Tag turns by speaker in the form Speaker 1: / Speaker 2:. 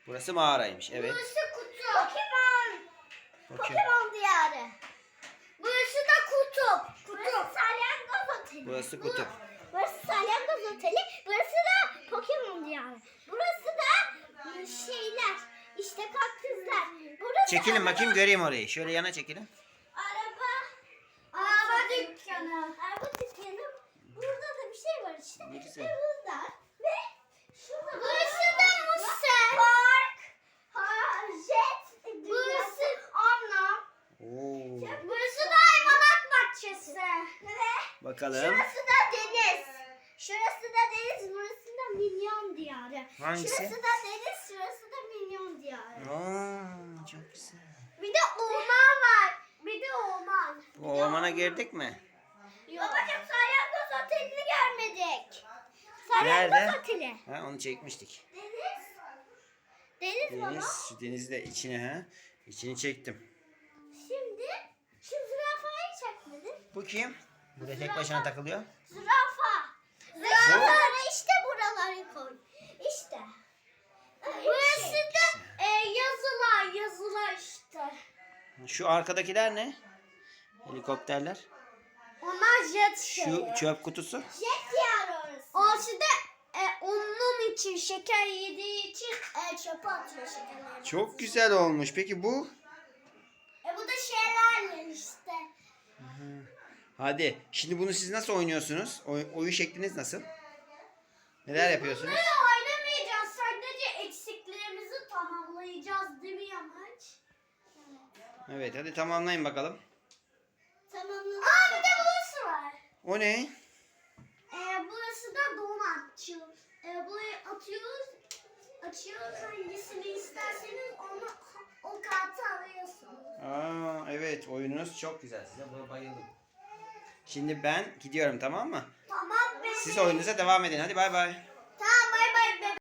Speaker 1: Burası mağaraymış. Evet.
Speaker 2: Burası kutu. Pokemon diyarı. Burası da kutup. Burası salyangoz oteli.
Speaker 1: Burası kutup.
Speaker 2: Burası salyangoz oteli. Burası da Pokemon diyarı. Burası da şeyler. İşte kaktüsler. Burası
Speaker 1: Çekilin bakayım göreyim orayı. Şöyle yana çekilin.
Speaker 2: Araba dükkanı. Araba dükkanı. Burada da bir şey var işte.
Speaker 1: Ne güzel.
Speaker 2: Ve burada. Ve şurada. Burası da Musel. Park. Jet. Burası anlam.
Speaker 1: Oo.
Speaker 2: Burası da hayvanat bahçesi. Ve
Speaker 1: Bakalım.
Speaker 2: şurası da deniz. Şurası da deniz. Burası da minyon diyarı.
Speaker 1: Hangisi?
Speaker 2: Şurası da deniz. Şurası da minyon diyarı.
Speaker 1: Aa, çok güzel.
Speaker 2: Bir de orman var. Bir de orman.
Speaker 1: O ormana girdik mi?
Speaker 2: Babacığım salyangoz otelini görmedik.
Speaker 1: Nerede?
Speaker 2: Salyangoz oteli.
Speaker 1: Ha, onu çekmiştik.
Speaker 2: Deniz. Deniz baba.
Speaker 1: Deniz. Şu denizi de içine ha. İçini çektim.
Speaker 2: Şimdi şu zürafayı çekmedin.
Speaker 1: Bu kim? Bu da tek başına takılıyor.
Speaker 2: Zürafa. Zürafaları işte buraları koy. İşte. Burası da yazılar işte.
Speaker 1: Şu arkadakiler ne? Helikopterler.
Speaker 2: Onlar jet
Speaker 1: Şu çöp kutusu.
Speaker 2: Jet diyarı orası. Orası da onun için şeker yediği için çöpe atıyor şekerleri.
Speaker 1: Çok güzel olmuş. Peki bu?
Speaker 2: Bu da şelale işte.
Speaker 1: Hadi. Şimdi bunu siz nasıl oynuyorsunuz? Oyun şekliniz nasıl? Neler yapıyorsunuz?
Speaker 2: Bunları oynamayacağız. Sadece eksiklerimizi tamamlayacağız değil mi Yamaç?
Speaker 1: Evet, hadi tamamlayın bakalım.
Speaker 2: Tamamlayacağız. Bir de burası var.
Speaker 1: O ne?
Speaker 2: Burası da donatçı. Burayı atıyoruz. Açıyoruz. Hangisini isterseniz o kartı alıyorsunuz.
Speaker 1: Aa, evet, oyununuz çok güzel. Size buna bayıldım. Şimdi ben gidiyorum, tamam mı?
Speaker 2: Tamam be.
Speaker 1: Siz oyununuza devam edin. Hadi bay bay.